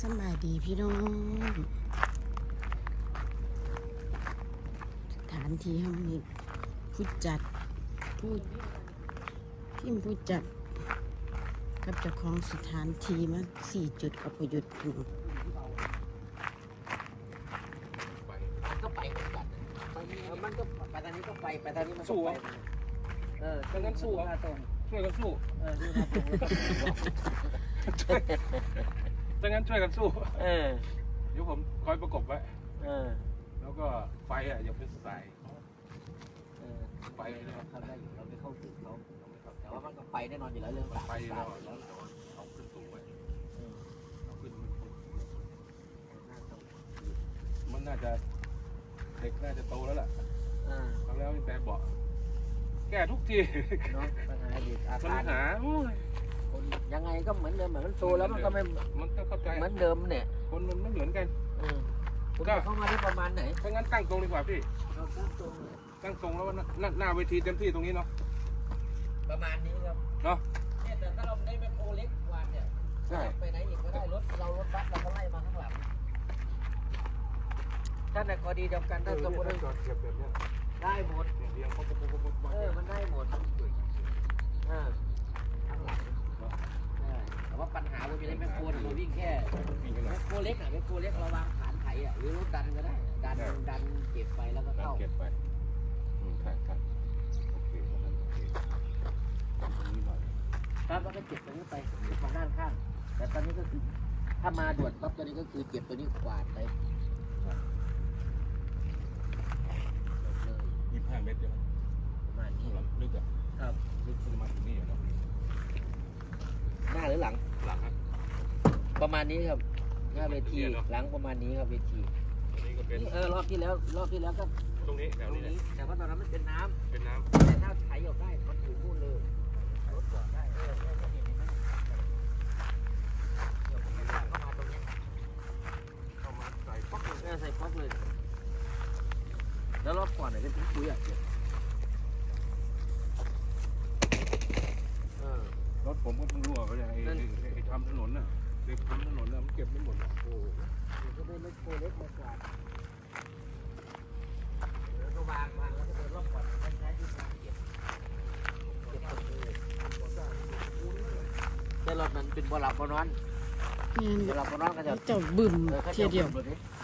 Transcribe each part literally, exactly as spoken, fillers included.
สบายดีพี่น้องสถานที่ห้องนี้ผู้จัดผู้พิมพ์ผู้จัดกับเจ้าของสถานที่มาสี่จุดอพยพพี่น้องมันก็ไปเหมือนกันไปมันก็ไปทางนี้ก็ไปไปทางนี้มันก็ไปเออดังนั้นสู้นะตรงช่วยกันสู้เออดูนะตรงดังนั้นช่วยกันสู้เออเดี๋ยวผมคอยประกบไว้เออแล้วก็ไฟอ่ะอย่าเป็นสายเออไฟนะครับทำได้อยู่เราไม่เข้าถึงเขาแต่ว่ามันก็ไปแน่นอนอยู่แล้วเรื่องไฟเราเราเอาขึ้นสูงไว้เอาขึ้นมันน่าจะเด็กน่าจะโตแล้วล่ะครั้งแล้วแต่เบาะแก้ทุกทีเนาะปัญหาเด็กอาปัญคารหาโอ้ยยังไงก็เหมือนเดิมเหมือนมันโตแล้วมันก็ไม่มันต้องเข้าใจเหมือนเดิมเนี่ยคนมันไม่เหมือนกันก็เข้ามาได้ประมาณไหนถ้างั้นตั้งตรงดีกว่าพี่เราตั้งตรงตั้งตรงแล้วหน้าหน้าเวทีเต็มที่ตรงนี้เนาะประมาณนี้ครับเนาะเนี่ยแต่ถ้าเราได้แมคโครเล็กกว่าเนี่ยใช่ไปไหนอีกก็ได้รถเรารถบัสเราก็ไล่มาข้างหลังถ้าในกรณีเดียวกันถ้าสมมติว่าได้หมดเออมันได้หมดเออข้างหลังแต่ว่าปัญหาเราไม่ได้แมคโครเราวิ่งแค่แมคโครเล็กอ่ะแมคโครเล็กเราวางฐานไถอ่ะหรือรถดันก็ได้ดันดันเก็บไปแล้วก็เข้าเก็บไปอืมใช่ใช่โอเคตรงนั้นโอเคตรงนี้หน่อยครับแล้วก็เก็บตรงนี้ไปมาด้านข้างแต่ตอนนี้ก็คือถ้ามาด่วนปั๊บตัวนี้ก็คือเก็บตัวนี้กวาดไปยี่สิบห้าเมตรใช่ไหมประมาณนี้ลึกอ่ะครับลึกประมาณถึงนี่อยู่นะหน้าหรือหลังหลังครับประมาณนี้ครับหน้าเวทีหลังประมาณนี้ครับเวทีนี่ก็เป็นเออรอบที่แล้วรอบที่แล้วก็ตรงนี้แถวนี้แต่ว่าตอนนั้นมันเป็นน้ำเป็นน้ำแต่ถ้าไถออกได้มันถึงนู่นเลยรถจอดได้เออเข้ามาตรงนี้เข้ามาใส่ป๊อกเลยใส่ป๊อกเลยแล้วรอบก่อนไหนเป็นปุ๋ยอ่ะรถผมก็เพิ่งรั่วไปไอ้ไอ้ทำถนนน่ะเด็กทำถนนน่ะมันเก็บไม่หมดโอ้ก็ได้รถโคเล็กมากกว่าแล้วก็วางวางแล้วก็เดินรอบก่อนใช้ที่การเก็บเก็บคนเลยแต่รถมันเป็นบ่หลับบ่นอนบ่หลับบ่นอนก็จะเจ้าบึ้มเทียเดียว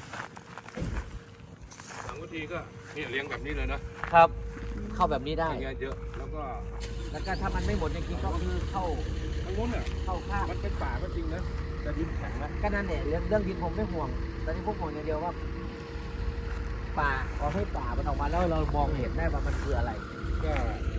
หลังวิธีก็นี่เลี้ยงแบบนี้เลยนะครับเข้าแบบนี้ได้เยอะแล้วก็แล้วก็ถ้ามันไม่หมดจริงๆก็คือเข้าทางโน้นเนี่ยเข้าข้างมันเป็นป่าก็จริงนะแต่ดินแข็งนะก็นั่นเนี่ยเรื่องเรื่องดินผมไม่ห่วงตอนนี้พวกห่วงอย่างเดียวว่าป่าขอให้ป่ามันออกมาแล้วเรามองเห็นได้ว่ามันคืออะไรก็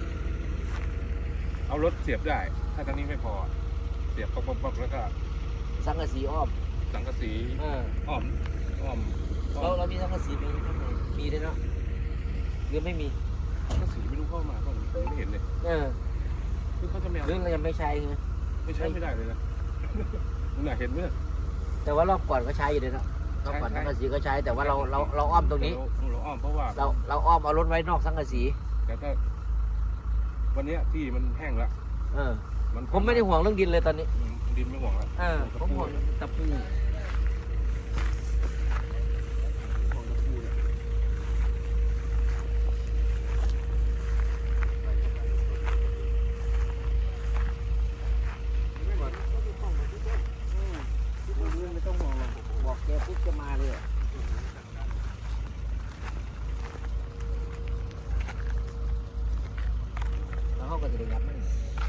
เอารถเสียบได้ถ้าตอนนี้ไม่พอเสียบป๊อกๆแล้วก็สังกะสีอ้อมสังกะสีอ้อมอ้อมเราเรามีสังกะสีมีข้างในมีด้วยเนาะหรือไม่มีสังกะสีไม่รู้เข้ามาก็ไม่เห็นเลยเออคือเขาจะไม่เอาเรื่องเรายังไม่ใช้ไงไม่ใช้ไม่ได้เลยนะคุณน่ะเห็นไหมแต่ว่ารอบก่อนก็ใช้อยู่เลยนะรอบก่อนสังกะสีก็ใช้แต่ว่าเราเราเราอ้อมตรงนี้เราอ้อมเพราะว่าเราเราอ้อมเอารถไว้นอกสังกะสีแต่ก็วันนี้ที่มันแห้งแล้วเออผมไม่ได้ห่วงเรื่องดินเลยตอนนี้ดินไม่ห่วงแล้วเออผมห่วงตะปูไม่ต้องห่วงหรอกบอกแกปุ๊บจะมาเลยแล้วเขาก็จะได้ยับมัน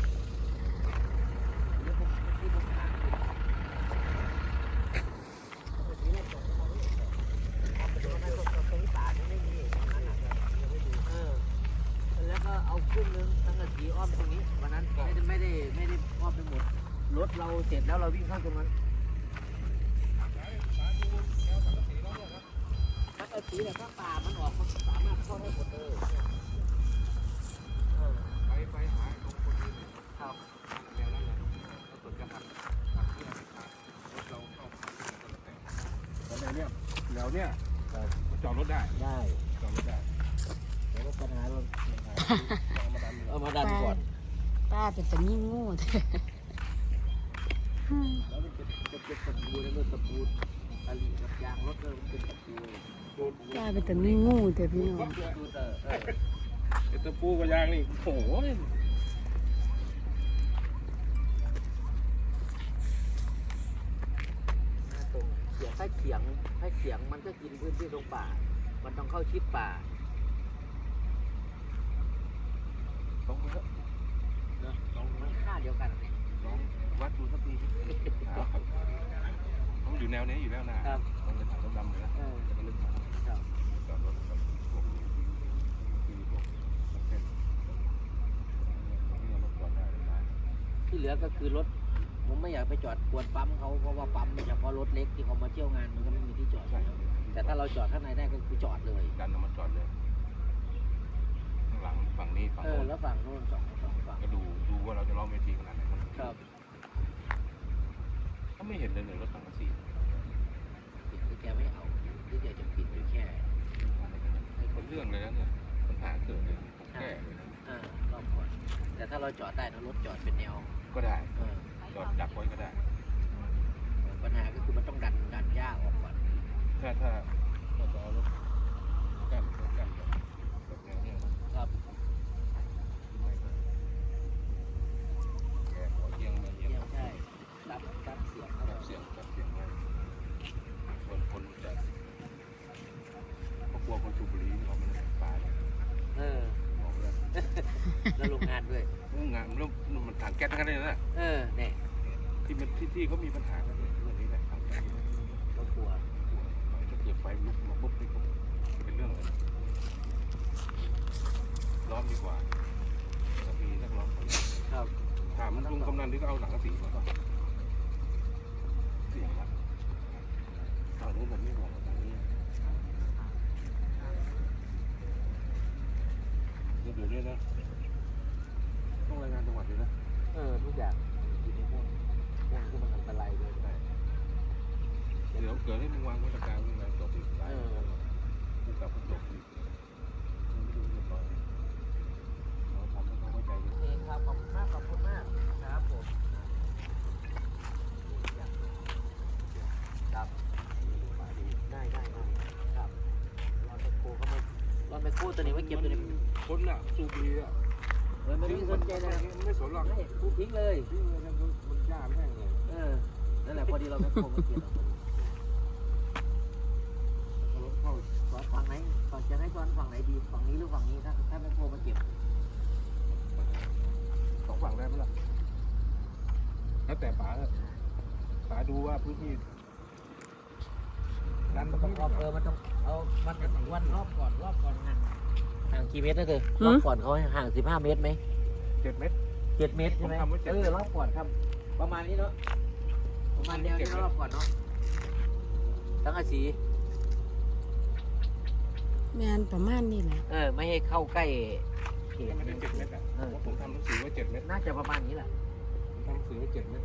แล้วก็เอาครึ่งนึงสังกะสีอ้อมตรงนี้วันนั้นไม่ได้ไม่ได้ไม่ได้อ้อมไปหมดรถเราเสร็จแล้วเราวิ่งเข้าตรงนั้นสังกะสีแต่ถ้าป่ามันออกมันสามารถเข้าได้หมดเลยไปไปหาตรงคนนี้ครับแนวนั้นเลยเราตรวจจะหักหักที่หักขาดรถเราเข้าแต่แนวเนี้ยแนวเนี้ยจอดรถได้ได้จอดรถได้แล้วก็ปัญหาเราเอามาดันก่อนป้าเป็นจะมีงูแล้วเป็นเป็นตะปูแล้วก็ตะปูตะลีกับยางรถก็เป็นตะปูกลายเป็นแต่งูงูแต่พี่น้องดูเตอเออไอ้ตะปูกับยางนี่โอ้โหตรงเขียงถ้าเขียงถ้าเขียงมันก็กินพื้นที่ตรงป่า มันต้องเข้าชิดป่าต้องไปแล้วนะต้องมันค่าเดียวกันเนี่ยลองวัดดูสักทีต้องอยู่แนวนี้อยู่แล้วนะครับ ต้องเป็นถังดำๆเลยนะเออจะมาลึกมาครับจอดรถกับพวกนี้คือพวกนักเต้นนี่เรารถจอดได้เลยนะที่เหลือก็คือรถผมไม่อยากไปจอดกวนปั๊มเขาเพราะว่าปั๊มเนี่ยเฉพาะรถเล็กที่เขามาเที่ยวงานมันก็ไม่มีที่จอดอยู่แล้วแต่ถ้าเราจอดข้างในได้ก็คือจอดเลยดันเอามาจอดเลยข้างหลังฝั่งนี้ฝั่งเออโน้นแล้วฝั่งโน้นสองสองฝั่งก็ดูดูว่าเราจะล้อมเวทีขนาดไหนครับก็ไม่เห็นเลยเลยรถสังกะสีปิดที่แกไม่เอาที่แกจะปิดอยู่แค่เป็นเรื่องเลยนะเนี่ยปัญหาเกิดเลยผมแก้เลยนะอ่ารอบก่อนแต่ถ้าเราจอดได้นะรถจอดเป็นแนวก็ได้เออจอดดักไว้ก็ได้ปัญหาก็คือมันต้องดันดันหญ้าออกก่อนถ้าถ้าเราจะเอารถกั้นรถกั้นแบบแบบแนวเนี้ยนะครับ ไม่ก็แกะหัวเอียงมาเอียงเยี่ยมใช่รับรับเสียงเข้าจับเสียงจับเสียงไว้ส่วนคนจะเขากลัวคนสูบบุหรี่เขาไม่ได้ปาดเออบอกเลยแล้วโรงงานด้วยงานมันมันถังแก๊สทั้งนั้นเลยนะเออเนี่ยที่มันที่ที่เขามีปัญหากันเรื่องนี้แหละถังแก๊สก็กลัวถ้าเกิดไฟลุกมาปุ๊บนี่ก็เป็นเรื่องเลยร้อนดีกว่าถ้ามีนักร้องคนครับถามลุงกำนันที่ก็เอาหนังกระสีมาก็เสียงละตอนนี้ผมไม่ห่วงตรงนี้เดี๋ยวนี้นะต้องรายงานจังหวัดเลยนะเออทุกอย่างอยู่ในพวกพวกที่มันอันตรายเลยได้เดี๋ยวเกิดให้มึงวางมาตรการมึงนะจบอีกไปมึงกลับมาจบอีกมึงไม่ดูเรียบร้อยเราทำให้เขาเข้าใจดีโอเคครับขอบคุณมากขอบคุณมากครับผมครับได้ได้ได้ครับรอนไปโคเข้ามารอนไปโคตัวนี้ไว้เก็บตัวนี้คนน่ะสูบบุหรี่อ่ะเออไม่ได้สนใจนะไม่สนหรอกไม่กูทิ้งเลยวิ่งเลยนะมันยากแม่งเลยเออนั่นแหละพอดีเราไปโคมาเก็บเอาพอดีรถเข้าสอนฝั่งไหนก่อนจะให้สอนฝั่งไหนดีฝั่งนี้หรือฝั่งนี้ถ้าถ้าไม่โคมาเก็บสองฝั่งได้ไหมล่ะแล้วแต่ป๋าป๋าดูว่าพื้นที่นั้นมันต้ต้ออง งรอบเออมันต้องเอามันกันวันรอบก่อนรอบก่อนห่างห่างกี่เมตรนะเธอรอบก่อนเขาห่างสิบห้าเมตรไหมเจ็ดเมตรเจ็ดเมตรใช่ไหมผมทำไว้เจ็ดเออรอบก่อนครับประมาณนี้เนาะประมาณเดียวนี้รอบก่อนเนาะตั้งอาสีแมนประมาณนี้แหละเออไม่ให้เข้าใกล้เขตมันได้เจ็ดเมตรอ่ะเพราะผมทำหนังสือไว้เจ็ดเมตรน่าจะประมาณนี้แหละผมทำหนังสือไว้เจ็ดเมตร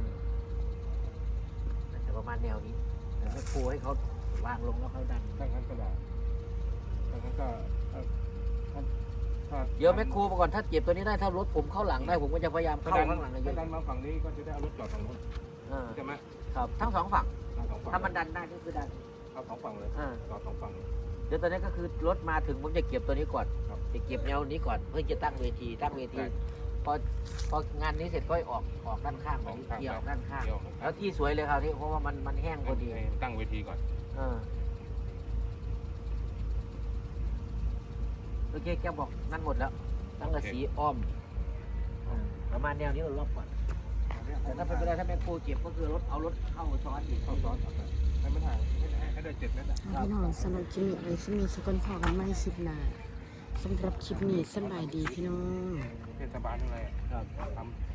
น่าจะประมาณแนวนี้แต่ให้ครูให้เขาวางลงแล้วเขาดันถ้างั้นก็ได้ถ้างั้นก็ถ้าถ้าถ้าเดี๋ยวแม่ครูมาก่อนถ้าเก็บตัวนี้ได้ถ้ารถผมเข้าหลังได้ผมก็จะพยายามเข้าข้างหลังเยถ้าอะดันมาฝั่งนี้ก็จะได้เอารถจอดฝั่งนู้นเออใช่ไหมครับทั้งสองฝั่งเอาสองฝั่งถ้ามันดันได้ก็คือดันเอาสองฝั่งเลยเออจอดสองฝั่งเลยเดี๋ยวตอนนี้ก็คือรถมาถึงผมจะเก็บตัวนี้ก่อนครับจะเก็บแนวนี้ก่อนเพื่อจะตั้งเวทีตั้งเวทีได้พอพองานนี้เสร็จก็ออกออกด้านข้างออกข้างเกี่ยวด้านข้างเที่ยวแล้วที่สวยเลยครับที่เพราะว่ามันมันแห้งพอดีให้ตั้งเวทีก่อนเออโอเคแกบอกนั่นหมดแล้วตั้งกระสีอ้อมอ่าประมาณแนวนี้เรารอบก่อนแต่ถ้าเป็นไปได้ถ้าแม่ครูเก็บก็คือรถเอารถเข้าซ้อนอีกเข้าซ้อนให้มันห่างให้ได้เจ็ดเมตรอ่ะพี่น้องสำหรับคลิปนี้ไว้สมีสกลพอกันไม่คลิปหน้าสำหรับคลิปนี้สำบายดีพี่น้องเทศบาลอะไรครับทำ